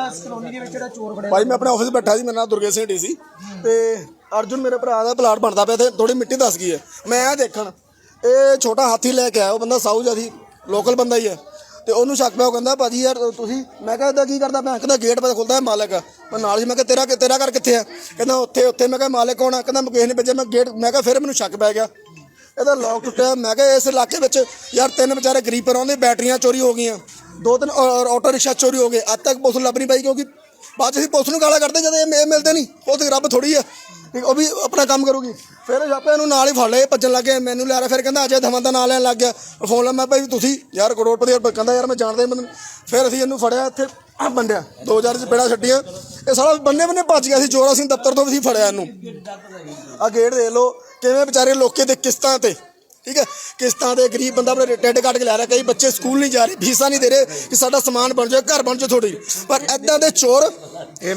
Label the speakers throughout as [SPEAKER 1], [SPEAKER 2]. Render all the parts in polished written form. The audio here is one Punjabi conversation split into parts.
[SPEAKER 1] भाई मैं अपने ऑफिस बैठा जी, मेरा नाम दुर्गेश सिंह डी सी ते अर्जुन मेरे भरा का प्लाट बनता पे, थोड़ी मिट्टी दस गई है। मैं आ देखन ये छोटा हाथी लैके आया, वो बंदा साਊ जिहा लोकल बंदा ही है। तो उन्होंने शक पिया, कहता भाजी यार तुसी, मैं कहता की करता मैं कहता गेट पर खुलता है मालिक। मैं नाल ही मैं तेरा घर कितने है, कहता उत्थे उत्थे। मैं मालिक कौन है, कहता मैं किसी ने भेजा। मैं गेट मैं फिर मैंने शक पै गया, ਇਹਦਾ लॉक टुटिया। मैं इस इलाके में यार 3 बेचारे गरीब पर आते, बैटरियां चोरी हो गई, 2-3 ऑटो रिक्शा चोरी हो गए। अज तक पुलिस लभ नहीं पाई, क्योंकि बाद अं पुलिस गाला कढ़ते जब ये मिलते नहीं। वो तो रब थोड़ी है, वो भी अपना काम करूगी। फिर छापे इन्हू नाल ही फड़ लिया, भजन लग गया, मैनू लिया। फिर कहता अजय धवन का नाम लैन लग गया। फोन ला मैं भाई तुसी यार करोड़पति, कहता यार मैं जानता मतलब। फिर असीं इन्हू फड़िया, इत्थे बंडिया 2000 च पेड़ा छड्डियां। ये सारा बन्ने बन्ने भज गया। चोर असीं दफ्तर तो भी फड़िया इन्हू। आ गेट देख लो किवें बेचारे लोके दे किस्तां ते, ठीक है, किस्तां दे गरीब बंदा अपने टिड्ड कट के लै रहा। कई बच्चे स्कूल नहीं जा रहे, फीसा नहीं दे रहे कि साडा समान बन जाए, घर बन जाए थोड़ी। पर इदां दे चोर
[SPEAKER 2] ये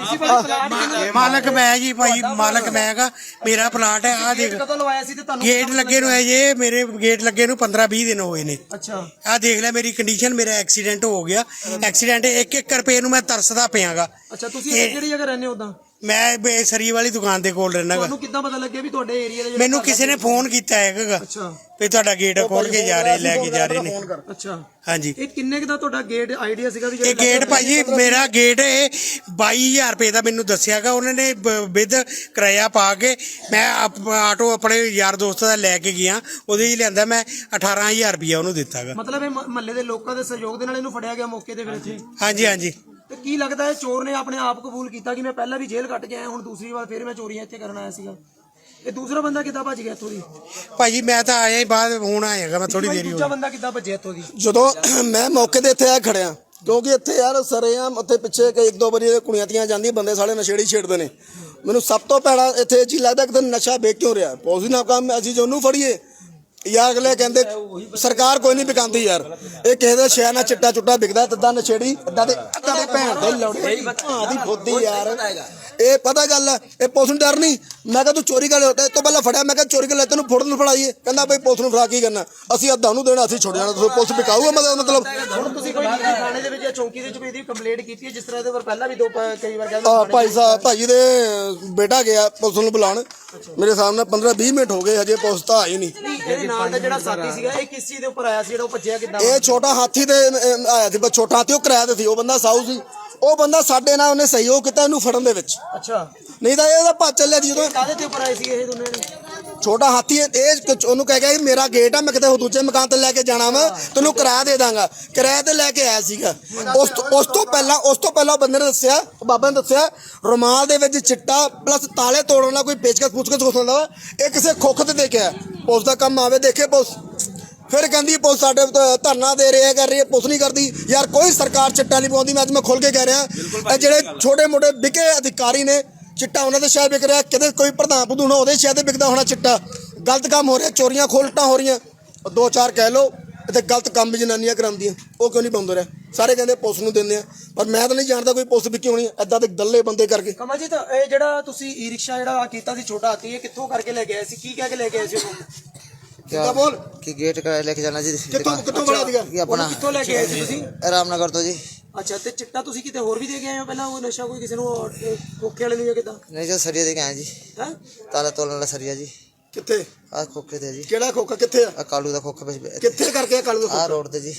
[SPEAKER 2] मालक मैं जी भाई, मालक मैं गा। मेरा प्लाट है, आ देख गेट लगे नु है, ये मेरे गेट लगे नु 15-20 दिन हुए ने।
[SPEAKER 1] अच्छा
[SPEAKER 2] आ देख ले मेरी कंडीशन, मेरा एक्सीडेंट हो गया। एक्सीडेंट 1-1 रुपए नु मैं तरसदा पियागा।
[SPEAKER 1] अच्छा ਤੁਸੀਂ ਕਿਹੜੀ ਜਗ੍ਹਾ ਰਹਿੰਦੇ ਹੋ? ਉਦਾਂ
[SPEAKER 2] मैं सरी वाली दुकान दे कोल रहना।
[SPEAKER 1] ਤੁਹਾਨੂੰ ਕਿੱਦਾਂ ਪਤਾ ਲੱਗਿਆ ਵੀ ਤੁਹਾਡੇ ਏਰੀਆ ਦੇ?
[SPEAKER 2] ਮੈਨੂੰ ਕਿਸੇ ਨੇ ਫੋਨ ਕੀਤਾ ਹੈਗਾ।
[SPEAKER 1] ਅੱਛਾ
[SPEAKER 2] ਵੀ ਤੁਹਾਡਾ ਗੇਟ ਖੋਲ ਕੇ ਜਾ ਰਹੇ, ਲੈ ਕੇ ਜਾ ਰਹੇ ਨੇ।
[SPEAKER 1] ਅੱਛਾ
[SPEAKER 2] ਹਾਂਜੀ।
[SPEAKER 1] ਇਹ ਕਿੰਨੇ ਦਾ ਤੁਹਾਡਾ ਗੇਟ ਆਈਡੀਆ ਸੀਗਾ ਵੀ?
[SPEAKER 2] ਇਹ ਗੇਟ ਭਾਜੀ ਮੇਰਾ ਗੇਟ ਇਹ 22000 ਰੁਪਏ ਦਾ ਮੈਨੂੰ ਦੱਸਿਆਗਾ ਉਹਨਾਂ ਨੇ, ਵਿਦ ਕਿਰਾਇਆ ਪਾ ਕੇ। ਮੈਂ ਆਟੋ ਆਪਣੇ ਯਾਰ ਦੋਸਤ ਦਾ ਲੈ ਕੇ ਗਿਆ, ਉਹਦੇ ਹੀ ਲਿਆਂਦਾ। ਮੈਂ 18000 ਰੁਪਇਆ ਉਹਨੂੰ ਦਿੱਤਾਗਾ।
[SPEAKER 1] ਮਤਲਬ ਇਹ ਮਹੱਲੇ ਦੇ ਲੋਕਾਂ ਦੇ ਸਹਿਯੋਗ ਦੇ ਨਾਲ ਇਹਨੂੰ ਫੜਿਆ ਗਿਆ ਮੌਕੇ ਤੇ ਫਿਰ ਇੱਥੇ?
[SPEAKER 2] ਹਾਂਜੀ ਹਾਂਜੀ।
[SPEAKER 1] ਤੇ ਕੀ ਲੱਗਦਾ ਹੈ ਚੋਰ ਨੇ ਆਪਣੇ ਆਪ ਕਬੂਲ ਕੀਤਾ ਕਿ ਮੈਂ ਪਹਿਲਾਂ ਵੀ ਜੇਲ੍ਹ ਕੱਟ ਕੇ ਆਇਆ, ਹੁਣ ਦੂਸਰੀ ਵਾਰ ਫਿਰ ਮੈਂ ਚੋਰੀਆਂ ਇੱਥੇ ਕਰਨ ਆਇਆ ਸੀਗਾ? ਇਹ ਦੂਸਰਾ ਬੰਦਾ ਕਿੱਦਾਂ ਭੱਜ ਗਿਆ ਇੱਥੋਂ ਦੀ?
[SPEAKER 2] ਭਾਜੀ ਮੈਂ ਤਾਂ ਆਇਆ ਹੀ ਬਾਅਦ, ਹੁਣ ਆਇਆਗਾ ਮੈਂ ਥੋੜੀ ਦੇਰ ਹੀ।
[SPEAKER 1] ਦੂਜਾ ਬੰਦਾ ਕਿੱਦਾਂ ਭੱਜਿਆ ਇੱਥੋਂ ਦੀ?
[SPEAKER 3] ਜਦੋਂ ਮੈਂ ਮੌਕੇ ਤੇ ਇੱਥੇ ਆ ਖੜਿਆ, ਕਿਉਂਕਿ ਇੱਥੇ ਯਾਰ ਸਰੇਆਮ ਉੱਥੇ ਪਿੱਛੇ 1-2 ਵਾਰੀ ਕੁੜੀਆਂ ਤੀਆਂ ਜਾਂਦੀਆਂ, ਬੰਦੇ ਸਾਲੇ ਨਸ਼ੇੜੀ ਛੇੜਦੇ ਨੇ। ਮੈਨੂੰ ਸਭ ਤੋਂ ਭੈੜਾ ਇੱਥੇ ਚੀਜ਼ ਲੱਗਦਾ ਕਿ ਨਸ਼ਾ ਵੇਚ ਕਿਉਂ ਰਿਹਾ। ਪੋਜ਼ੀ ਨਾ ਕੰਮ ਅਸੀਂ ਜੋ ਉਹਨੂੰ ਫੜੀਏ ਯਾਰ, ਅਗਲੇ ਕਹਿੰਦੇ ਸਰਕਾਰ ਕੋਈ ਨਹੀਂ ਵਿਕਾਉਂਦੀ ਯਾਰ। ਇਹ ਕਿਸੇ ਦੇ ਸ਼ਹਿਰ ਨਾਲ ਚਿੱਟਾ ਚੁੱਟਾ ਵਿਕਦਾ, ਤਦਾਂ ਨਸ਼ੇੜੀ ਇੱਦਾਂ ਦੇ ਭੈਣ ਦੇ ਲੌੜੇ ਦੀ ਫੁੱਦੀ ਯਾਰ। ਇਹ ਪਤਾ ਗੱਲ ਹੈ, ਇਹ ਪੁਲਿਸ ਨੂੰ ਡਰ ਨਹੀਂ। ਮੈਂ ਕਿਹਾ ਤੂੰ ਚੋਰੀ ਕਰ ਲਿਆ, ਤੋਂ ਪਹਿਲਾਂ ਫੜਿਆ। ਮੈਂ ਕਿਹਾ ਚੋਰੀ ਕਰ ਲਿਆ, ਤੈਨੂੰ ਫੋਟੋ ਨੂੰ ਫੜਾਈਏ। ਕਹਿੰਦਾ ਬਈ ਪੁਲਿਸ ਨੂੰ ਫੜਾ ਕੀ ਕਰਨਾ, ਅਸੀਂ ਅੱਧਾ ਨੂੰ ਦੇਣਾ, ਅਸੀਂ ਛੁੱਟ ਜਾਣਾ। ਪੁਲਿਸ ਵਿਕਾਊਗਾ ਮਤਲਬ।
[SPEAKER 1] ਹੁਣ ਤੁਸੀਂ ਕੋਈ ਥਾਣੇ ਦੇ ਵਿੱਚ ਜਾਂ ਚੌਂਕੀ ਦੇ ਵਿੱਚ ਇਹਦੀ ਕੰਪਲੇਂਟ ਕੀਤੀ ਹੈ, ਜਿਸ ਤਰ੍ਹਾਂ ਇਹਦੇ ਪਰ ਪਹਿਲਾਂ ਵੀ ਕਈ ਵਾਰ ਕਹਿੰਦੇ?
[SPEAKER 3] ਭਾਈ ਸਾਹਿਬ, ਭਾਜੀ ਦੇ ਬੇਟਾ ਗਿਆ ਪੁਲਿਸ ਨੂੰ ਬੁਲਾਉਣ, ਮੇਰੇ ਸਾਹਮਣੇ 15-20 ਮਿੰਟ ਹੋ ਗਏ, ਹਜੇ ਪੁਲਿਸ ਤਾਂ ਆਈ ਨਹੀਂ।
[SPEAKER 1] ਇਹਦੇ ਨਾਲ ਦਾ ਜਿਹੜਾ ਸਾਥੀ ਸੀਗਾ, ਇਹ ਕਿਸ ਚੀਜ਼ ਦੇ ਉੱਪਰ ਆਇਆ ਸੀ ਜਿਹੜਾ ਉਹ ਭੱਜਿਆ ਕਿੱਦਾਂ?
[SPEAKER 3] ਇਹ ਛੋਟਾ ਹਾਥੀ ਤੇ ਆਇਆ ਸੀ, ਛੋਟਾ ਹਾਥੀ ਉਹ ਕਿਰਾਏ ਤੇ ਸੀ। ਉਹ ਬੰਦਾ ਸਾਊ ਸੀ, ਉਹ ਬੰਦਾ ਸਾਡੇ ਨਾਲ ਉਹਨੇ ਸਹਿਯੋਗ ਕੀਤਾ ਇਹਨੂੰ ਫੜਨ ਦੇ ਵਿੱਚ।
[SPEAKER 1] ਅੱਛਾ,
[SPEAKER 3] ਨਹੀਂ ਤਾਂ ਇਹਦਾ ਭੱਜ ਚੱਲਿਆ ਸੀ। ਜਦੋਂ
[SPEAKER 1] ਕਾਹਦੇ ਤੇ ਉੱਪਰ ਆਏ ਸੀ ਇਹ ਦੋਨੇ ਨੇ?
[SPEAKER 3] ਛੋਟਾ ਹਾਥੀ ਇਹ ਉਹਨੂੰ ਕਹਿ ਗਿਆ ਮੇਰਾ ਗੇਟ ਆ, ਮੈਂ ਕਿਤੇ ਦੂਜੇ ਮਕਾਨ ਤੇ ਲੈ ਕੇ ਜਾਣਾ ਵਾ, ਤੈਨੂੰ ਕਿਰਾਇਆ ਦੇ ਦਾਂਗਾ। ਕਿਰਾਏ ਤੇ ਲੈ ਕੇ ਆਇਆ ਸੀਗਾ। ਉਸ ਤੋਂ ਪਹਿਲਾਂ ਬੰਦੇ ਨੇ ਦੱਸਿਆ, ਬਾਬਾ ਨੇ ਦੱਸਿਆ, ਰੁਮਾਲ ਦੇ ਵਿੱਚ ਚਿੱਟਾ ਪਲੱਸ ਤਾਲੇ ਤੋੜਨ ਵਾਲਾ ਕੋਈ ਪੇਚਕਸ ਪੁੱਛਕਸ ਹੋ ਸਕਦਾ ਵਾ। ਇਹ ਕਿਸੇ ਖੋਖ ਤੇ ਦੇਖਿਆ, ਪੁਲਿਸ ਦਾ ਕੰਮ ਆਵੇ ਦੇਖੇ ਪੁਲਿਸ। ਫਿਰ ਕਹਿੰਦੀ ਪੁਲਿਸ ਸਾਡੇ ਧਰਨਾ ਦੇ ਰਹੀ ਹੈ, ਕਰ ਰਹੀ ਹੈ, ਪੁਲਿਸ ਨਹੀਂ ਕਰਦੀ ਯਾਰ। ਕੋਈ ਸਰਕਾਰ ਚਿੱਟਾ ਨਹੀਂ ਪਾਉਂਦੀ। ਮੈਂ ਅੱਜ ਮੈਂ ਖੁੱਲ ਕੇ ਕਹਿ ਰਿਹਾ, ਇਹ ਜਿਹੜੇ ਛੋਟੇ ਮੋਟੇ ਵਿਕੇ ਅਧਿਕਾਰੀ ਨੇ, ਚਿੱਟਾ ਉਹਨਾਂ ਦੇ ਸ਼ਾਇਦ ਵਿਕ ਰਿਹਾ, ਕਿਤੇ ਕੋਈ ਪ੍ਰਧਾਨ ਪ੍ਰਧੂਨ ਉਹਦੇ ਸ਼ਾਇਦ ਵਿਕਦਾ ਹੋਣਾ ਚਿੱਟਾ। ਗਲਤ ਕੰਮ ਹੋ ਰਿਹਾ, ਚੋਰੀਆਂ ਖੋਲਟਾਂ ਹੋ ਰਹੀਆਂ। 2-4 ਕਹਿ ਲਓ ਇੱਥੇ ਗਲਤ ਕੰਮ ਵੀ ਜਨਾਨੀਆਂ ਕਰਾਉਂਦੀਆਂ, ਉਹ ਕਿਉਂ ਨਹੀਂ ਪਾਉਂਦੇ ਰਿਹਾ? ਸਾਰੇ ਕਹਿੰਦੇ ਪੁਲਿਸ ਨੂੰ ਦਿੰਦੇ ਆ, ਪਰ ਮੈਂ ਤਾਂ ਨਹੀਂ ਜਾਣਦਾ ਕੋਈ ਪੁਲਿਸ ਵੀ ਕਿਉਂ ਨਹੀਂ ਏਦਾਂ ਦੇ ਦੱਲੇ ਬੰਦੇ ਕਰਕੇ।
[SPEAKER 1] ਕਮਲ ਜੀ, ਤਾਂ ਇਹ ਜਿਹੜਾ ਤੁਸੀਂ ਈ ਰਿਕਸ਼ਾ ਜਿਹੜਾ ਕੀਤਾ ਸੀ ਛੋਟਾ ਹਾਥੀ, ਇਹ ਕਿੱਥੋਂ ਕਰਕੇ ਲੈ ਕੇ ਆਏ ਸੀ? ਕੀ ਕਹਿ ਕੇ ਲੈ ਕੇ ਆਏ ਸੀ ਉਹਨੂੰ?
[SPEAKER 3] ਕਿੱਦਾਂ ਬੋਲ
[SPEAKER 4] कि गेट का लेके जाना जी।
[SPEAKER 3] ਕਿੱਥੋਂ ਬਣਾ ਦਿਆ?
[SPEAKER 4] ये अपना
[SPEAKER 1] ਕਿੱਥੋਂ ਲੈ ਕੇ ਆਏ ਸੀ ਤੁਸੀਂ?
[SPEAKER 4] रामनगर तो जी।
[SPEAKER 1] ਅੱਛਾ, ਤੇ ਚਿੱਟਾ ਤੁਸੀਂ ਕਿਤੇ ਹੋਰ ਵੀ ਦੇ ਕੇ ਆਏ ਹੋ ਪਹਿਲਾਂ? ਉਹ ਨਸ਼ਾ ਕੋਈ ਕਿਸੇ ਨੂੰ ਕੋਕੇ ਵਾਲੇ ਨੂੰ ਜਾਂ ਕਿੱਦਾਂ?
[SPEAKER 4] नहीं जो सरिया दे के आए जी,
[SPEAKER 1] ਹੈ
[SPEAKER 4] ताला तोड़ने वाला सरिया जी।
[SPEAKER 3] ਕਿੱਥੇ?
[SPEAKER 4] आ खोखे थे जी,
[SPEAKER 3] ਕਿਹੜਾ ਖੋਖਾ ਕਿੱਥੇ ਆ?
[SPEAKER 4] आ कालू दा खोखा पे
[SPEAKER 3] ਕਿੱਥੇ ਕਰਕੇ ਆ ਕਾਲੂ
[SPEAKER 4] आ रोड ते जी।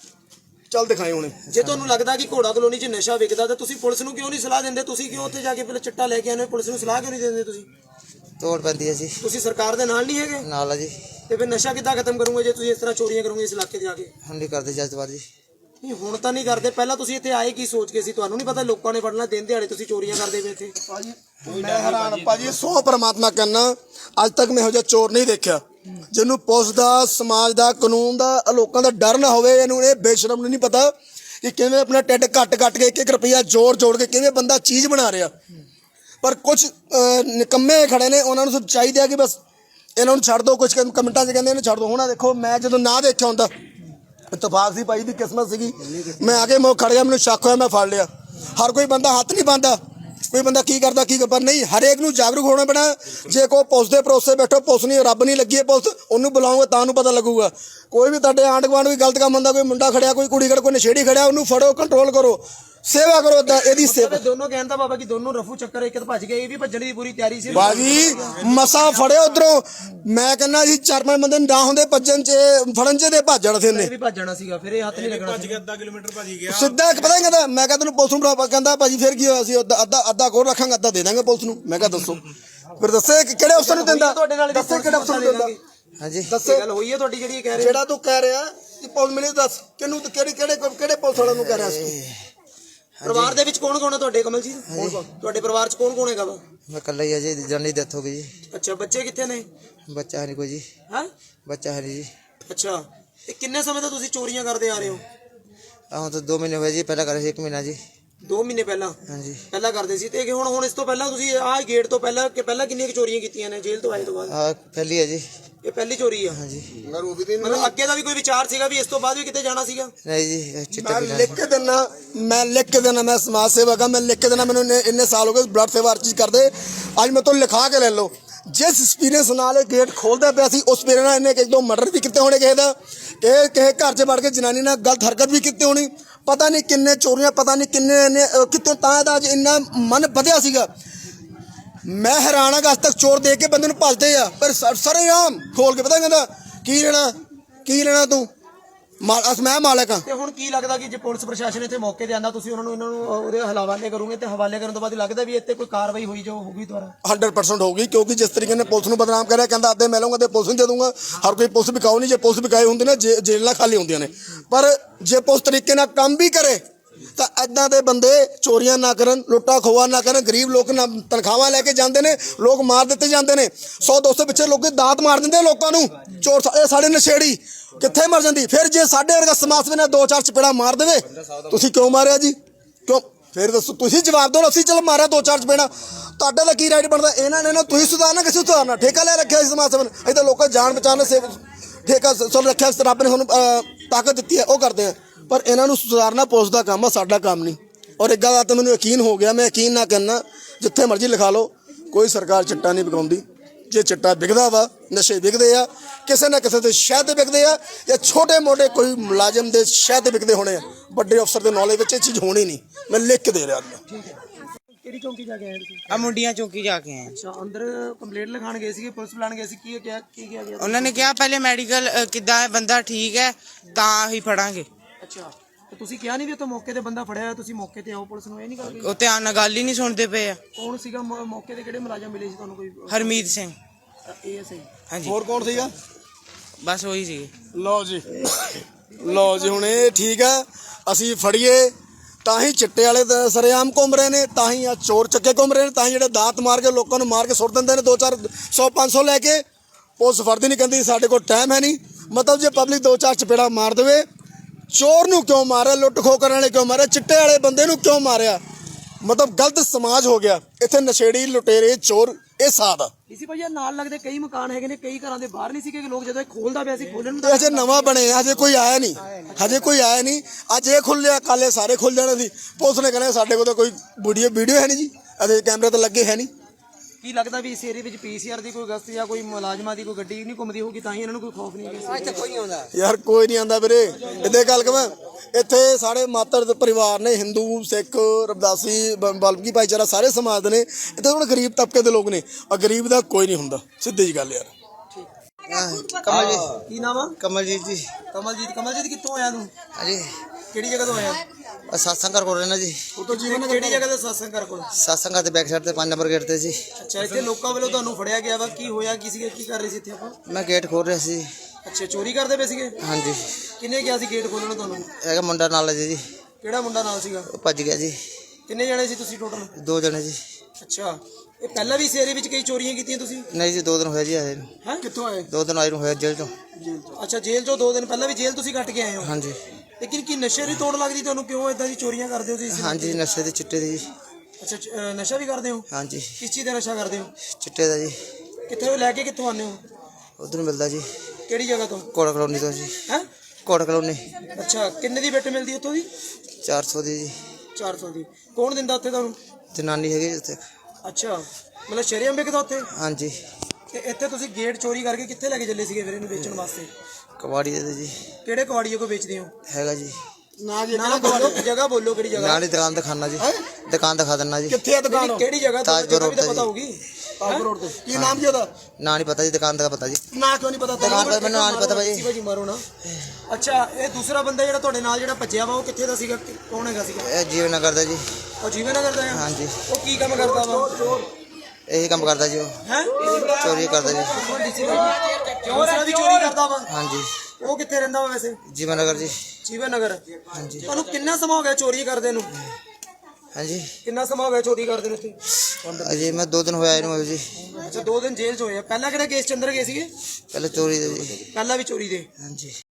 [SPEAKER 3] ਚੱਲ ਦਿਖਾਈ ਹੁਣੇ।
[SPEAKER 1] ਜੇ ਤੁਹਾਨੂੰ ਲੱਗਦਾ ਕਿ ਘੋੜਾ ਕਲੋਨੀ 'ਚ ਨਸ਼ਾ ਵਿਕਦਾ ਤਾਂ ਤੁਸੀਂ ਪੁਲਿਸ ਨੂੰ ਕਿਉਂ ਨਹੀਂ ਸਲਾਹ ਦਿੰਦੇ? ਤੁਸੀਂ ਕਿਉਂ ਉੱਥੇ ਜਾ ਕੇ ਪਹਿਲਾਂ ਚਿੱਟਾ ਲੈ ਕੇ ਆਉਂਦੇ ਹੋ? ਪੁਲਿਸ ਨੂੰ ਸਲਾਹ ਕਿਉਂ ਨਹੀਂ ਦਿੰਦੇ ਤੁਸੀਂ?
[SPEAKER 4] तोड़ पैंदी है जी,
[SPEAKER 1] ਤੁਸੀਂ ਸਰਕਾਰ ਦੇ ਨਾਲ ਨਹੀਂ ਹੈਗੇ
[SPEAKER 4] नाला जी।
[SPEAKER 1] ਤੇ ਫਿਰ ਨਸ਼ਾ ਕਿੱਦਾਂ ਖਤਮ ਕਰੋਗੇ ਜੇ ਤੁਸੀਂ ਇਸ ਤਰ੍ਹਾਂ ਚੋਰੀਆਂ ਕਰੋਗੇ ਇਸ ਇਲਾਕੇ 'ਚ ਜਾ ਕੇ?
[SPEAKER 4] हम नहीं करते जज्बात जी।
[SPEAKER 1] ਨਹੀਂ, ਹੁਣ ਤਾਂ ਨਹੀਂ ਕਰਦੇ। ਪਹਿਲਾਂ ਤੁਸੀਂ ਇੱਥੇ ਆਏ ਕੀ ਸੋਚ ਕੇ ਸੀ? ਤੁਹਾਨੂੰ ਨਹੀਂ ਪਤਾ ਲੋਕਾਂ ਨੇ ਫੜਨਾ, ਦਿਨ ਦਿਹਾੜੇ ਤੁਸੀਂ ਚੋਰੀਆਂ ਕਰਦੇ ਪਏ ਇੱਥੇ?
[SPEAKER 3] ਮੈਂ ਹੈਰਾਨ ਭਾਜੀ, 100 ਪਰਮਾਤਮਾ ਕਰਨਾ ਅੱਜ ਤੱਕ ਮੈਂ ਇਹੋ ਜਿਹਾ ਚੋਰ ਨਹੀਂ ਦੇਖਿਆ ਜਿਹਨੂੰ ਪੁਲਿਸ ਦਾ, ਸਮਾਜ ਦਾ, ਕਾਨੂੰਨ ਦਾ, ਲੋਕਾਂ ਦਾ ਡਰ ਨਾ ਹੋਵੇ। ਇਹਨੂੰ ਇਹ ਬੇਸ਼ਰਮ ਨੂੰ ਨਹੀਂ ਪਤਾ ਕਿ ਕਿਵੇਂ ਆਪਣਾ ਢਿੱਡ ਕੱਟ ਕੇ 1-1 ਰੁਪਈਆ ਜੋੜ ਕੇ ਕਿਵੇਂ ਬੰਦਾ ਚੀਜ਼ ਬਣਾ ਰਿਹਾ। ਪਰ ਕੁਝ ਨਿਕੰਮੇ ਖੜੇ ਨੇ, ਉਹਨਾਂ ਨੂੰ ਸਿਰਫ ਚਾਹੀਦਾ ਕਿ ਬਸ ਇਹਨਾਂ ਨੂੰ ਛੱਡ ਦਿਓ। ਕੁਝ ਕਮੈਂਟਾਂ 'ਚ ਕਹਿੰਦੇ ਇਹਨੂੰ ਛੱਡ ਦਿਓ। ਹੁਣ ਦੇਖੋ, ਮੈਂ ਜਦੋਂ ਨਾ ਦੇਖਿਆ ਹੁੰਦਾ, ਇਤਫਾਕ ਸੀ ਭਾਈ ਦੀ ਕਿਸਮਤ ਸੀਗੀ, ਮੈਂ ਆ ਕੇ ਖੜ ਗਿਆ, ਮੈਨੂੰ ਸ਼ੱਕ ਹੋਇਆ, ਮੈਂ ਫੜ ਲਿਆ। ਹਰ ਕੋਈ ਬੰਦਾ ਹੱਥ ਨਹੀਂ ਪਾਉਂਦਾ, ਕੋਈ ਬੰਦਾ ਕੀ ਕਰਦਾ ਕੀ ਪਰ ਨਹੀਂ, ਹਰੇਕ ਨੂੰ ਜਾਗਰੂਕ ਹੋਣਾ ਪੈਣਾ। ਜੇ ਕੋਈ ਪੁਲਿਸ ਦੇ ਭਰੋਸੇ ਬੈਠੋ, ਪੁਲਿਸ ਨਹੀਂ, ਰੱਬ ਨਹੀਂ ਲੱਗੀ ਹੈ ਪੁਲਿਸ, ਉਹਨੂੰ ਬੁਲਾਓਗੇ ਤਾਂ ਨੂੰ ਪਤਾ ਲੱਗੂਗਾ। ਕੋਈ ਵੀ ਤੁਹਾਡੇ ਆਂਢ ਗੁਆਂਢ ਵੀ ਗਲਤ ਕੰਮ ਹੁੰਦਾ, ਕੋਈ ਮੁੰਡਾ ਖੜਿਆ, ਕੋਈ ਕੁੜੀ ਖੜਿਆ, ਕੋਈ ਨਸ਼ੇੜੀ ਖੜਿਆ, ਉਹਨੂੰ ਫੜੋ, ਕੰਟਰੋਲ ਕਰੋ। ਸੇਵਾ ਕਰੋ ਏਦਾਂ, ਇਹਦੀ ਸੇਵਾ।
[SPEAKER 5] ਦੋਨੋਂ ਕਹਿਣ ਦਾ ਬਾਬਾ ਕਿ ਦੋਨੋਂ ਰਫੂ ਚੱਕਰ ਇੱਕ ਤਾਂ ਭੱਜ ਗਏ, ਇਹ ਵੀ ਭੱਜਣ ਦੀ ਪੂਰੀ ਤਿਆਰੀ ਸੀ।
[SPEAKER 3] ਬਾਜੀ ਮਸਾ ਫੜੇ ਉਧਰੋਂ, ਮੈਂ ਕਹਿੰਦਾ ਜੀ 4-5 ਬੰਦੇ ਨਾ ਹੁੰਦੇ ਭੱਜਣ ਚ, ਫੜਨ ਚ ਤੇ ਭੱਜ ਜਾਣਾ ਸੀ ਇਹਨੇ।
[SPEAKER 5] ਇਹ ਵੀ ਭੱਜਣਾ ਸੀਗਾ, ਫਿਰ ਇਹ ਹੱਥ ਨਹੀਂ ਲੱਗਣਾ ਸੀ।
[SPEAKER 3] ਸਿੱਧਾ ਪਤਾ ਹੀ ਕਹਿੰਦਾ, ਮੈਂ ਕਿਹਾ ਤੈਨੂੰ ਪੁਲਿਸ ਨੂੰ ਕਹਿੰਦਾ ਭਾਜੀ ਫਿਰ ਕੀ ਹੋਇਆ ਸੀ, ਅੱਧਾ ਕੋਲ ਰੱਖਾਂਗੇ, ਅੱਧਾ ਦੇ ਦਾਂਗੇ ਪੁਲਿਸ ਨੂੰ। ਮੈਂ ਕਿਹਾ ਦੱਸੋ ਫਿਰ, ਦੱਸੇ ਕਿਹੜੇ ਅਫਸਰ ਨੂੰ ਦਿੰਦਾ,
[SPEAKER 5] ਤੁਹਾਡੇ ਨਾਲ
[SPEAKER 3] ਦੱਸੇ ਕਿਹੜੇ ਅਫਸਰ ਨੂੰ ਦਿੰਦਾ,
[SPEAKER 4] ਹਾਂਜੀ
[SPEAKER 3] ਦੱਸੇ।
[SPEAKER 5] ਗੱਲ ਹੋਈ ਹੈ ਤੁਹਾਡੀ ਜਿਹੜੀ ਇਹ ਕਹਿ ਰਹੇ
[SPEAKER 3] ਜਿਹੜਾ ਤੂੰ ਕਹਿ ਰਿਹਾ ਕਿ ਪੁਲਿਸ ਮਿਲੀ, ਦੱਸ ਕਿਹਨੂੰ, ਕਿਹੜੇ ਪੁਲਿਸ ਵਾਲਿਆਂ ਨੂੰ ਕਹਿ ਰਿਹਾ ਸੀ?
[SPEAKER 5] ਪਰਿਵਾਰ ਦੇ ਵਿੱਚ ਕੌਣ ਕੌਣ ਹੈ ਤੁਹਾਡੇ ਕਮਲ ਜੀ? ਤੁਹਾਡੇ ਪਰਿਵਾਰ ਚ ਕੌਣ ਕੌਣ ਹੈਗਾ ਵਾ?
[SPEAKER 4] ਮੈਂ ਇਕੱਲਾ ਹੀ ਆ ਜੀ, ਜਾਨੀ ਡੈਥ ਹੋ ਗਈ ਜੀ।
[SPEAKER 5] ਅੱਛਾ, ਬੱਚੇ ਕਿੱਥੇ ਨੇ?
[SPEAKER 4] ਬੱਚਾ ਹੈ ਨਹੀਂ ਕੋਈ ਜੀ,
[SPEAKER 5] ਹੈ
[SPEAKER 4] ਬੱਚਾ ਹੈ ਨਹੀਂ ਜੀ।
[SPEAKER 5] ਅੱਛਾ, ਤੇ ਕਿੰਨੇ ਸਮੇਂ ਤੋਂ ਤੁਸੀਂ ਚੋਰੀਆਂ ਕਰਦੇ ਆ ਰਹੇ ਹੋ?
[SPEAKER 4] ਆਹ ਤਾਂ 2 ਮਹੀਨੇ ਹੋਏ ਜੀ, ਪਹਿਲਾਂ ਕਰੇ ਸੀ 1 ਮਹੀਨਾ ਜੀ।
[SPEAKER 5] 2 ਮਹੀਨੇ ਪਹਿਲਾਂ
[SPEAKER 4] ਹਾਂਜੀ
[SPEAKER 5] ਪਹਿਲਾਂ ਕਰਦੇ ਸੀ, ਤੇ ਹੁਣ ਇਸ ਤੋਂ ਪਹਿਲਾਂ ਤੁਸੀਂ ਆਹ ਗੇਟ ਤੋਂ ਪਹਿਲਾਂ ਕਿੰਨੀਆਂ ਕੁ ਚੋਰੀਆਂ ਕੀਤੀਆਂ ਨੇ ਜੇਲ੍ਹ ਤੋਂ ਆਏ ਤੋਂ ਬਾਅਦ?
[SPEAKER 4] ਆਹ ਪਹਿਲੀ ਹੈ ਜੀ।
[SPEAKER 5] ਇਹ ਪਹਿਲੀ ਚੋਰੀ ਆ?
[SPEAKER 4] ਹਾਂਜੀ
[SPEAKER 5] ਮਤਲਬ ਅੱਗੇ ਦਾ ਵੀ ਕੋਈ ਵਿਚਾਰ ਸੀਗਾ ਵੀ ਇਸ ਤੋਂ ਬਾਅਦ ਵੀ ਕਿਤੇ ਜਾਣਾ ਸੀਗਾ?
[SPEAKER 4] ਨਹੀਂ ਜੀ, ਇਹ ਚਿੱਟਾ
[SPEAKER 3] ਮੈਂ
[SPEAKER 4] ਪੀਣਾ
[SPEAKER 3] ਲਿਖ ਕੇ ਦੇਣਾ, ਮੈਂ ਸਮਾਜ ਸੇਵਕ ਹਾਂ, ਮੈਂ ਲਿਖ ਕੇ ਦੇਣਾ, ਮੈਨੂੰ ਇੰਨੇ ਸਾਲ ਹੋ ਗਏ ਬਲੱਡ ਸੇਵਾ ਹਰ ਚੀਜ਼ ਕਰਦੇ, ਅੱਜ ਮੈਂ ਤੋਂ ਲਿਖਾ ਕੇ ਲੈ ਲਓ। ਜਿਸ ਐਕਸਪੀਰੀਅੰਸ ਨਾਲ ਇਹ ਗੇਟ ਖੋਲਦਾ ਪਿਆ ਸੀ, ਉਸ ਪੀਰੀਅਡ ਨਾਲ ਇਹਨੇ ਇੱਕ ਦੋ ਮਰਡਰ ਵੀ ਕੀਤੇ ਹੋਣੇ ਕਿਸੇ ਦਾ, ਕਿਸੇ ਘਰ 'ਚ ਵੜ ਕੇ ਜਨਾਨੀ ਨਾਲ ਗਲਤ ਹਰਕਤ ਵੀ ਕੀਤੀ ਹੋਣੀ, ਪਤਾ ਨਹੀਂ ਕਿੰਨੇ ਚੋਰੀਆਂ, ਪਤਾ ਨਹੀਂ ਕਿੰਨੇ ਇਹਨੇ ਕਿਤੇ, ਤਾਂ ਇਹਦਾ ਅੱਜ ਇੰਨਾ ਮਨ ਵਧਿਆ ਸੀਗਾ। ਮੈਂ ਹੈਰਾਨ ਹਾਂ ਕਿ ਅੱਜ ਤੱਕ ਚੋਰ ਦੇਖ ਕੇ ਬੰਦੇ ਨੂੰ ਭੱਜਦੇ ਆ, ਪਰ ਸਰੇਆਮ ਖੋਲ ਕੇ ਪਤਾ ਕਹਿੰਦਾ ਕੀ ਲੈਣਾ ਤੂੰ, ਮੈਂ ਮਾਲਕ ਹਾਂ।
[SPEAKER 5] ਤੇ ਹੁਣ ਕੀ ਲੱਗਦਾ ਕਿ ਜੇ ਪੁਲਿਸ ਪ੍ਰਸ਼ਾਸਨ ਇੱਥੇ ਮੌਕੇ ਤੇ ਆਂਦਾ, ਤੁਸੀਂ ਉਹਨਾਂ ਨੂੰ ਉਹਦੇ ਹਵਾਲੇ ਕਰੋਗੇ, ਤੇ ਹਵਾਲੇ ਕਰਨ ਤੋਂ ਬਾਅਦ ਲੱਗਦਾ ਵੀ ਇੱਥੇ ਕੋਈ ਕਾਰਵਾਈ ਹੋਈ ਜੋ ਹੋਊਗੀ ਦੁਬਾਰਾ?
[SPEAKER 3] 100% ਹੋਊਗੀ, ਕਿਉਂਕਿ ਜਿਸ ਤਰੀਕੇ ਨੇ ਪੁਲਿਸ ਨੂੰ ਬਦਨਾਮ ਕਰਿਆ, ਕਹਿੰਦਾ ਅੱਧੇ ਮੈਂ ਲਊਂਗਾ ਤੇ ਪੁਲਿਸ ਨੂੰ ਦੇ ਦੂੰਗਾ। ਹਰ ਕੋਈ ਪੁਲਿਸ ਵਿਕਾਊ ਨਹੀਂ, ਜੇ ਪੁਲਿਸ ਵਿਕਾਏ ਹੁੰਦੇ ਨੇ ਜੇਲ੍ਹਾਂ ਖਾਲੀ ਹੁੰਦੀਆਂ ਨੇ, ਪਰ ਜੇ ਪੁਲਿਸ ਤਰੀਕੇ ਨਾਲ ਕੰਮ ਵੀ ਕਰੇ ਤਾਂ ਐਦਾਂ ਦੇ ਬੰਦੇ ਚੋਰੀਆਂ ਨਾ ਕਰਨ, ਲੁੱਟਾ ਖੋਆ ਨਾ ਕਰਨ, ਗਰੀਬ ਲੋਕ ਨਾ ਤਨਖਾਹਾਂ ਲੈ ਕੇ ਜਾਂਦੇ ਨੇ, ਲੋਕ ਮਾਰ ਦਿੱਤੇ ਜਾਂਦੇ ਨੇ, 100-200 ਪਿੱਛੇ ਲੋਕ ਦਾਤ ਮਾਰ ਦਿੰਦੇ ਲੋਕਾਂ ਨੂੰ, ਚੋਰ ਇਹ ਸਾਡੇ ਨਸ਼ੇੜੀ ਕਿੱਥੇ ਮਰ ਜਾਂਦੀ। ਫਿਰ ਜੇ ਸਾਡੇ ਵਰਗਾ ਸਮਾਜ ਨੇ 2-4 ਚਪੇੜਾ ਮਾਰ ਦੇਵੇ, ਤੁਸੀਂ ਕਿਉਂ ਮਾਰਿਆ ਜੀ, ਕਿਉਂ? ਫਿਰ ਦੱਸੋ, ਤੁਸੀਂ ਜਵਾਬ ਦਿਓ। ਅਸੀਂ ਚਲ ਮਾਰਿਆ 2-4 ਚਪੇੜਾ, ਤੁਹਾਡਾ ਤਾਂ ਕੀ ਰਾਈਟ ਬਣਦਾ? ਇਹਨਾਂ ਨੇ ਨਾ ਤੁਸੀਂ ਸੁਧਾਰਨਾ, ਕਿਸੇ ਸੁਧਾਰਨਾ, ਠੇਕਾ ਲੈ ਰੱਖਿਆ ਸੀ ਸਮਾਜ ਸੇਵਨ, ਅਸੀਂ ਤਾਂ ਲੋਕਾਂ ਜਾਨ ਬਚਾਉਣ ਸੇ ਠੇਕਾ ਸੁਣ ਰੱਖਿਆ, ਰੱਬ ਨੇ ਸਾਨੂੰ ਤਾਕਤ ਦਿੱਤੀ ਹੈ, ਉਹ ਕਰਦੇ ਆ, ਪਰ ਇਹਨਾਂ ਨੂੰ ਸੁਧਾਰਨਾ ਪੁਲਿਸ ਦਾ ਕੰਮ ਆ, ਸਾਡਾ ਕੰਮ ਨਹੀਂ। ਔਰ ਇੱਕ ਗੱਲ ਤਾਂ ਮੈਨੂੰ ਯਕੀਨ ਹੋ ਗਿਆ, ਮੈਂ ਯਕੀਨ ਨਾ ਕਰਨਾ, ਜਿੱਥੇ ਮਰਜ਼ੀ ਲਿਖਾ ਲਓ, ਕੋਈ ਸਰਕਾਰ ਚਿੱਟਾ ਨਹੀਂ ਵਿਕਾਉਂਦੀ। ਜੇ ਚਿੱਟਾ ਵਿਕਦਾ ਵਾ, ਨਸ਼ੇ ਵਿਕਦੇ ਆ, ਕਿਸੇ ਨਾ ਕਿਸੇ ਦੇ ਸ਼ਹਿਦ ਵਿਕਦੇ ਆ, ਜਾਂ ਛੋਟੇ ਮੋਟੇ ਕੋਈ ਮੁਲਾਜ਼ਮ ਦੇ ਸ਼ਹਿਦ ਵਿਕਦੇ ਹੋਣੇ ਆ, ਵੱਡੇ ਅਫਸਰ ਦੇ ਨੌਲੇਜ ਵਿੱਚ ਇਹ ਚੀਜ਼ ਹੋਣੀ ਨਹੀਂ। ਮੈਂ ਲਿਖ ਕੇ ਦੇ ਰਿਹਾ ਅੱਜ।
[SPEAKER 5] ਕਿਹੜੀ ਚੌਂਕੀ ਜਾ ਕੇ ਆਏ ਤੁਸੀਂ?
[SPEAKER 6] ਆ ਮੁੰਡੀਆਂ ਚੌਂਕੀ ਜਾ ਕੇ ਆਏ।
[SPEAKER 5] ਅੱਛਾ, ਅੰਦਰ ਕੰਪਲੇਂਟ ਲਿਖਾਣ ਗਏ ਸੀਗੇ, ਪੁਲਿਸ ਬੁਲਾਣ ਗਏ ਸੀ, ਕੀ ਕਿਹਾ ਗਿਆ?
[SPEAKER 6] ਉਹਨਾਂ ਨੇ ਕਿਹਾ ਪਹਿਲੇ ਮੈਡੀਕਲ ਕਿੱਦਾਂ ਹੈ, ਬੰਦਾ ਠੀਕ ਹੈ ਤਾਂ ਹੀ ਫੜਾਂਗੇ।
[SPEAKER 5] ਅੱਛਾ, ਤੇ ਤੁਸੀਂ ਕਿਹਾ ਨਹੀਂ ਵੀ ਉੱਥੇ ਮੌਕੇ ਤੇ ਬੰਦਾ ਫੜਿਆ ਹੋਇਆ, ਤੁਸੀਂ ਮੌਕੇ ਤੇ ਆਓ, ਪੁਲਿਸ ਨੂੰ ਇਹ ਨਹੀਂ ਕਰ ਗਏ?
[SPEAKER 6] ਉਹ ਧਿਆਨ ਨਾਲ ਗੱਲ ਹੀ ਨਹੀਂ ਸੁਣਦੇ ਪਏ ਆ।
[SPEAKER 5] ਕੌਣ ਸੀਗਾ ਮੌਕੇ ਤੇ, ਕਿਹੜੇ ਮੁਲਾਜ਼ਮ ਮਿਲੇ ਸੀ ਤੁਹਾਨੂੰ? ਕੋਈ
[SPEAKER 6] ਹਰਮੀਤ ਸਿੰਘ।
[SPEAKER 5] ASI?
[SPEAKER 6] ਹਾਂਜੀ,
[SPEAKER 3] ਹੋਰ ਕੌਣ ਸੀਗਾ?
[SPEAKER 6] ਬਸ ਉਹੀ ਸੀਗੇ।
[SPEAKER 3] ਲਓ ਜੀ ਹੁਣ ਇਹ ਠੀਕ ਆ, ਅਸੀਂ ਫੜੀਏ ਤਾਂ ਹੀ ਚਿੱਟੇ ਵਾਲੇ ਸਰੇਆਮ ਘੁੰਮ ਰਹੇ ਨੇ, ਤਾਂ ਹੀ ਆ ਚੋਰ ਚੱਕੇ ਘੁੰਮ ਰਹੇ ਨੇ, ਤਾਂ ਹੀ ਜਿਹੜੇ ਦਾਤ ਮਾਰ ਕੇ ਲੋਕਾਂ ਨੂੰ ਮਾਰ ਕੇ ਸੁੱਟ ਦਿੰਦੇ ਨੇ 2-4 100-500 ਲੈ ਕੇ, ਪੁਲਿਸ ਫੜਦੀ ਨਹੀਂ, ਕਹਿੰਦੀ ਸਾਡੇ ਕੋਲ ਟਾਈਮ ਹੈ ਨਹੀਂ। ਮਤਲਬ ਜੇ ਪਬਲਿਕ 2-4 ਚਪੇੜਾ ਮਾਰ ਦੇਵੇ, ਚੋਰ ਨੂੰ ਕਿਉਂ ਮਾਰਿਆ, ਲੁੱਟ ਖੋਹ ਕਰਨ ਵਾਲੇ ਕਿਉਂ ਮਾਰਿਆ, ਚਿੱਟੇ ਵਾਲੇ ਬੰਦੇ ਨੂੰ ਕਿਉਂ ਮਾਰਿਆ? ਮਤਲਬ ਗਲਤ ਸਮਾਜ ਹੋ ਗਿਆ ਇੱਥੇ, ਨਸ਼ੇੜੀ ਲੁਟੇਰੇ ਚੋਰ ਇਹ ਸਾਥ ਆ।
[SPEAKER 5] ਇਸੀ ਭਾਈ ਨਾਲ ਲੱਗਦੇ ਕਈ ਮਕਾਨ ਹੈਗੇ ਨੇ, ਕਈ ਘਰਾਂ ਦੇ ਬਾਹਰ ਨਹੀਂ ਸੀਗੇ ਕਿ ਲੋਕ ਜਦੋਂ ਇਹ ਖੋਲਦਾ ਪਿਆ ਸੀ ਖੋਲਣ ਨੂੰ?
[SPEAKER 3] ਇਹ ਹਜੇ ਨਵਾਂ ਬਣਿਆ, ਹਜੇ ਕੋਈ ਆਇਆ ਨਹੀਂ, ਅੱਜ ਇਹ ਖੁੱਲਿਆ, ਕੱਲ ਇਹ ਸਾਰੇ ਖੁੱਲ ਜਾਣੇ ਸੀ। ਪੁਲਿਸ ਨੇ ਕਹਿੰਦੇ ਸਾਡੇ ਕੋਲ ਤਾਂ ਕੋਈ ਵੀਡੀਓ ਹੈ ਨਹੀਂ ਜੀ, ਅਜੇ ਕੈਮਰੇ ਤਾਂ ਲੱਗੇ ਹੈ ਨਹੀਂ।
[SPEAKER 5] ਕੀ ਲੱਗਦਾ ਵੀ ਇਸ ਏਰੀਏ ਵਿੱਚ PCR ਦੀ ਕੋਈ ਗਸ਼ਤ ਜਾਂ ਕੋਈ ਮੁਲਾਜ਼ਮਾਂ ਦੀ ਕੋਈ ਗੱਡੀ ਨਹੀਂ ਘੁੰਮਦੀ ਹੋਊਗੀ, ਤਾਂ ਹੀ ਇਹਨਾਂ ਨੂੰ ਕੋਈ ਖੌਫ ਨਹੀਂ ਹੈ?
[SPEAKER 4] ਇੱਥੇ ਕੋਈ ਨਹੀਂ ਆਉਂਦਾ
[SPEAKER 3] ਯਾਰ, ਕੋਈ ਨਹੀਂ ਆਂਦਾ ਵੀਰੇ, ਇਹਦੇ ਗੱਲ ਕਵਾਂ, ਇੱਥੇ ਸਾਡੇ ਮਾਤਰ ਪਰਿਵਾਰ ਨੇ, ਹਿੰਦੂ, ਸਿੱਖ, ਰਵਿਦਾਸੀ, ਬਲਕੀ ਭਾਈਚਾਰਾ, ਸਾਰੇ ਸਮਾਜ ਦੇ ਨੇ। ਇੱਥੇ ਹੁਣ ਗਰੀਬ ਤਬਕੇ ਦੇ ਲੋਕ ਨੇ, ਔਰ ਗਰੀਬ ਦਾ ਕੋਈ ਨਹੀਂ ਹੁੰਦਾ, ਸਿੱਧੀ ਜੀ ਗੱਲ ਯਾਰ।
[SPEAKER 4] ਕਮਲਜੀਤ।
[SPEAKER 5] ਕੀ ਨਾਮ ਆ?
[SPEAKER 4] ਕਮਲਜੀਤ ਜੀ।
[SPEAKER 5] ਕਮਲਜੀਤ ਕਿੱਥੋਂ ਆਇਆ ਤੂੰ?
[SPEAKER 4] ਹਾਂਜੀ,
[SPEAKER 5] ਕਿਹੜੀ ਜਗ੍ਹਾ ਤੋਂ ਆਇਆ?
[SPEAKER 4] ਸਤਸੰਗ ਘਰ ਕੋਲ ਰਹਿਣਾ ਜੀ।
[SPEAKER 5] ਕਿਹੜੀ ਜਗ੍ਹਾ ਤੋਂ ਸਤਸੰਗ ਕਰ ਕੋਲ?
[SPEAKER 4] ਸਤਸੰਗ ਘਰ ਦੇ ਬੈਕ ਸਾਈਡ ਤੇ 5 ਨੰਬਰ ਗੇਟ ਤੇ ਜੀ।
[SPEAKER 5] ਅੱਛਾ, ਇੱਥੇ ਲੋਕਾਂ ਵੱਲੋਂ ਤੁਹਾਨੂੰ ਫੜਿਆ ਗਿਆ ਵਾ, ਕੀ ਹੋਇਆ, ਕੀ ਸੀਗਾ, ਕੀ ਕਰ ਰਹੇ ਸੀ ਇੱਥੇ ਆਪਾਂ?
[SPEAKER 4] ਮੈਂ ਗੇਟ ਖੋਲ ਰਿਹਾ ਸੀ।
[SPEAKER 5] ਅੱਛਾ, ਚੋਰੀ ਕਰਦੇ ਪਏ ਸੀਗੇ?
[SPEAKER 4] ਹਾਂਜੀ,
[SPEAKER 5] ਕਿੰਨੇ ਗਿਆ ਸੀ ਗੇਟ ਖੋਲਣ ਤੁਹਾਨੂੰ?
[SPEAKER 4] ਹੈਗਾ ਮੁੰਡਾ ਨਾਲ ਹੈ ਜੀ,
[SPEAKER 5] ਕਿਹੜਾ ਮੁੰਡਾ ਨਾਲ ਸੀਗਾ?
[SPEAKER 4] ਉਹ ਭੱਜ ਗਿਆ ਜੀ।
[SPEAKER 5] ਕਿੰਨੇ ਜਣੇ ਸੀ ਤੁਸੀਂ ਟੋਟਲ?
[SPEAKER 4] 2 ਜਣੇ ਜੀ।
[SPEAKER 5] ਅੱਛਾ, ਇਹ ਪਹਿਲਾਂ ਵੀ ਇਸ ਏਰੀਏ ਵਿੱਚ ਕਈ ਚੋਰੀਆਂ ਕੀਤੀਆਂ ਤੁਸੀਂ?
[SPEAKER 4] ਨਹੀਂ ਜੀ, 2 ਦਿਨ ਹੋਇਆ ਜੀ ਆਏ ਨੂੰ।
[SPEAKER 5] ਹੈ, ਕਿੱਥੋਂ ਆਏ?
[SPEAKER 4] 2 ਦਿਨ ਆਏ ਨੂੰ ਹੋਇਆ ਜੇਲ੍ਹ ਚੋਂ।
[SPEAKER 5] ਅੱਛਾ, ਜੇਲ੍ਹ ਚੋਂ 2 ਦਿਨ ਪਹਿਲਾਂ ਵੀ ਜੇਲ੍ਹ ਤੁਸੀਂ ਕੱਟ ਕੇ ਆਏ ਹੋ?
[SPEAKER 4] ਹਾਂਜੀ
[SPEAKER 5] ਲੇਕਿਨ ਕੀ ਨਸ਼ੇ ਦੀ ਤੋੜ ਲੱਗਦੀ ਤੁਹਾਨੂੰ, ਕਿਉਂ ਇਦਾਂ ਦੀ ਚੋਰੀਆਂ ਕਰਦੇ ਹੋ ਤੁਸੀਂ?
[SPEAKER 4] ਹਾਂਜੀ, ਨਸ਼ੇ ਦੇ ਚਿੱਟੇ ਦੀ ਜੀ।
[SPEAKER 5] ਅੱਛਾ, ਨਸ਼ਾ ਵੀ ਕਰਦੇ ਹੋ?
[SPEAKER 4] ਹਾਂਜੀ,
[SPEAKER 5] ਕਿਸ ਚੀਜ਼ ਦਾ ਨਸ਼ਾ ਕਰਦੇ ਹੋ?
[SPEAKER 4] ਚਿੱਟੇ ਦਾ ਜੀ।
[SPEAKER 5] ਕਿੱਥੇ ਲੈ ਕੇ ਕਿੱਥੋਂ ਆਉਂਦੇ ਹੋ?
[SPEAKER 4] ਉਧਰ ਮਿਲਦਾ ਜੀ,
[SPEAKER 5] ਕਿਹੜੀ ਜਗ੍ਹਾ ਤੋਂ?
[SPEAKER 4] ਕੋੜਾ ਕਲੋਨੀ ਤੋਂ ਜੀ।
[SPEAKER 5] ਹੈ,
[SPEAKER 4] ਕੋੜਾ ਕਲੋਨੀ।
[SPEAKER 5] ਅੱਛਾ, ਕਿੰਨੇ ਦੀ ਬਿੱਟ ਮਿਲਦੀ ਉੱਥੋਂ ਦੀ?
[SPEAKER 4] 400 ਦੀ ਜੀ।
[SPEAKER 5] 400 ਦੀ। ਕੌਣ ਦਿੰਦਾ ਉੱਥੇ ਤੁਹਾਨੂੰ?
[SPEAKER 4] ਜਨਾਨੀ ਹੈਗੀ ਉੱਥੇ।
[SPEAKER 5] ਅੱਛਾ, ਮਤਲਬ ਸ਼ਰੇਆਮ ਵਿਕਦਾ ਉੱਥੇ?
[SPEAKER 4] ਹਾਂਜੀ,
[SPEAKER 5] ਤੇ ਇੱਥੇ ਤੁਸੀਂ ਗੇਟ ਚੋਰੀ ਕਰਕੇ ਕਿੱਥੇ ਲੈ ਕੇ ਚੱਲੇ ਸੀਗੇ ਫਿਰ ਇਹਨੂੰ ਵੇਚਣ ਵਾਸਤੇ?
[SPEAKER 4] ਕਬਾੜੀ ਦੇ ਜੀ।
[SPEAKER 5] ਕਿਹੜੇ ਕਵਾੜੀਏ ਕੋ ਵੇਚਦੇ ਹੋ?
[SPEAKER 4] ਹੈਗਾ ਜੀ,
[SPEAKER 1] ਨਾ ਜੀ
[SPEAKER 5] ਨਾ ਬੋਲੋ, ਜਗ੍ਹਾ ਬੋਲੋ ਕਿਹੜੀ ਜਗ੍ਹਾ
[SPEAKER 4] ਨਾਲ ਹੀ ਦੁਕਾਨ ਦਿਖਾਣਾ ਜੀ ਦੁਕਾਨ ਦਿਖਾ ਦਿੰਨਾ ਜੀ
[SPEAKER 1] ਕਿੱਥੇ ਆ ਦੁਕਾਨ
[SPEAKER 5] ਕਿਹੜੀ ਜਗ੍ਹਾ
[SPEAKER 4] ਤਾਜਪੁਰ
[SPEAKER 5] ਜਗ੍ਹਾ ਵੀ ਤਾਂ
[SPEAKER 4] ਰੋਡ ਤੇ
[SPEAKER 5] ਪਤਾ
[SPEAKER 4] ਜੀ।
[SPEAKER 5] ਹੋਊਗੀ
[SPEAKER 1] ਤਾਜਪੁਰ ਰੋਡ ਤੇ ਕੀ ਨਾਮ ਜੀ ਉਹਦਾ
[SPEAKER 4] ਨਾ ਨਹੀਂ ਪਤਾ ਜੀ ਦੁਕਾਨ ਦਾ ਪਤਾ ਜੀ
[SPEAKER 1] ਨਾ ਕਿਉਂ ਨਹੀਂ ਪਤਾ
[SPEAKER 4] ਦੁਕਾਨ ਦਾ ਮੈਨੂੰ ਨਾਂ ਨਹੀਂ ਪਤਾ ਭਾਜੀ
[SPEAKER 5] ਭਾਜੀ ਮਾਰੋ ਨਾ। ਅੱਛਾ ਇਹ ਦੂਸਰਾ ਬੰਦਾ ਜਿਹੜਾ ਤੁਹਾਡੇ ਨਾਲ ਜਿਹੜਾ ਭੱਜਿਆ ਵਾ ਉਹ ਕਿੱਥੇ ਦਾ ਸੀਗਾ ਕੌਣ ਹੈਗਾ ਸੀਗਾ?
[SPEAKER 4] ਇਹ ਜੀਵਨ ਨਗਰ ਦਾ ਜੀ
[SPEAKER 5] ਉਹ ਜੀਵਨ ਨਗਰ ਦਾ ਆ?
[SPEAKER 4] ਹਾਂਜੀ
[SPEAKER 5] ਉਹ ਕੀ ਕੰਮ ਕਰਦਾ ਵਾ?
[SPEAKER 4] ਇਹੀ ਕੰਮ ਕਰਦਾ ਜੀ ਉਹ
[SPEAKER 5] ਹੈ
[SPEAKER 4] ਚੋਰੀ ਕਰਦਾ ਜੀ
[SPEAKER 5] ਦੂਸਰਾ ਵੀ ਚੋਰੀ ਕਰਦਾ ਵਾ?
[SPEAKER 4] ਹਾਂਜੀ
[SPEAKER 5] ਉਹ ਕਿੱਥੇ ਰਹਿੰਦਾ ਵਾ ਵੈਸੇ?
[SPEAKER 4] ਜੀਵਨ ਨਗਰ ਜੀ
[SPEAKER 5] ਜੀਵਨ ਨਗਰ।
[SPEAKER 4] ਹਾਂਜੀ
[SPEAKER 5] ਤੁਹਾਨੂੰ ਕਿੰਨਾ ਸਮਾਂ ਹੋ ਗਿਆ ਚੋਰੀ ਕਰਦੇ ਨੂੰ?
[SPEAKER 4] ਹਾਂਜੀ
[SPEAKER 5] ਕਿੰਨਾ ਸਮਾਂ ਹੋ ਗਿਆ ਚੋਰੀ ਕਰਦੇ ਨੂੰ ਇੱਥੇ?
[SPEAKER 4] ਅਜੇ ਮੈਂ 2 ਦਿਨ ਹੋਇਆ ਇਹਨੂੰ ਜੀ
[SPEAKER 5] ਅੱਛਾ 2 ਦਿਨ ਜੇਲ੍ਹ 'ਚ ਹੋਏ ਆ। ਪਹਿਲਾਂ ਕਿਹੜੇ ਕੇਸ 'ਚ ਅੰਦਰ ਗਏ ਸੀਗੇ?
[SPEAKER 4] ਪਹਿਲੇ ਚੋਰੀ ਦਾ ਜੀ
[SPEAKER 5] ਪਹਿਲਾਂ ਵੀ ਚੋਰੀ ਦੇ।
[SPEAKER 4] ਹਾਂਜੀ